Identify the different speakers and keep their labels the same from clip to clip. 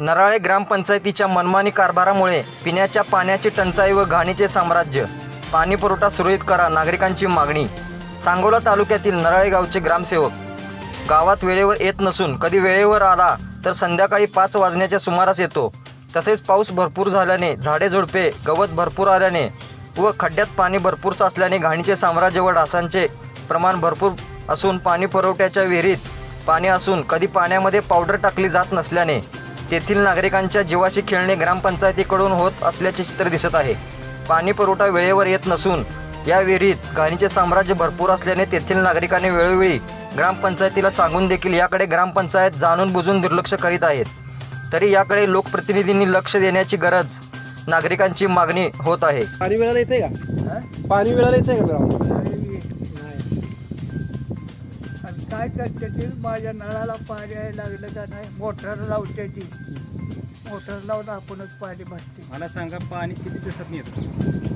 Speaker 1: नराळे ग्रामपंचायतीच्या मनमानी कारभारामुळे पिण्याच्या पाण्याची टंचाई व घाणीचे साम्राज्य. पाणी पुरवठा सुरळीत करा, नागरिकांची मागणी. सांगोला तालुक्यातील नराळे गावचे ग्रामसेवक गावात वेळेवर येत नसून कधी वेळेवर आला तर संध्याकाळी 5 वाजण्याच्या सुमारास येतो. तसेच पाऊस भरपूर झाल्याने, झाडे झुडपे गवत भरपूर आल्याने व खड्ड्यात पाणी भरपूर साचल्याने घाणीचे साम्राज्य व डासांचे प्रमाण भरपूर असून पाणी पुरवठ्याच्या विहिरीत पाणी असून कधी पाण्यामध्ये पावडर टाकली जात नसल्याने तेथील नागरिकांच्या जीवाशी खेळणे ग्रामपंचायतीकडून होत असल्याचे चित्र दिसत आहे. पाणी पुरवठा वेळेवर येत नसून या विहिरीत घाणीचे साम्राज्य भरपूर असल्याने तेथील नागरिकांनी वेळोवेळी ग्रामपंचायतीला सांगून देखील याकडे ग्रामपंचायत जाणून बुजून दुर्लक्ष करीत आहेत. तरी याकडे लोकप्रतिनिधींनी लक्ष देण्याची गरज नागरिकांची मागणी होत आहे.
Speaker 2: पाणी वेळाला येते का? पाणी वेळाला येते का ग्राउंड?
Speaker 3: आणि काय करते ती माझ्या नळाला पाणी यायला लागलं का नाही, मोटर लावते ती. मोटर लावून आपणच पाणी भरते.
Speaker 2: मला सांगा, पाणी किती दिवसात येतं?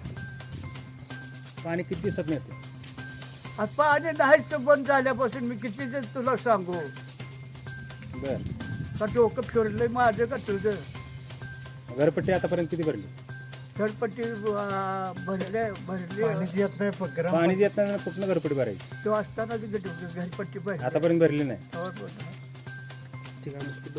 Speaker 2: पाणी किती दिवसात येतं?
Speaker 3: आता पाणी नाहीच बंद झाल्यापासून मी किती दिवस तुला सांगू?
Speaker 2: बर,
Speaker 3: का डोकं फिरलंय माझं का तुझं?
Speaker 2: घरपट्टी आतापर्यंत किती भरली?
Speaker 3: घरपट्टी भरले
Speaker 2: पाणी येत नाही, कुठलं घरपट्टी भरायची?
Speaker 3: तो असताना घरपट्टी भरली
Speaker 2: आतापर्यंत भरली नाही.
Speaker 3: ठीक आहे.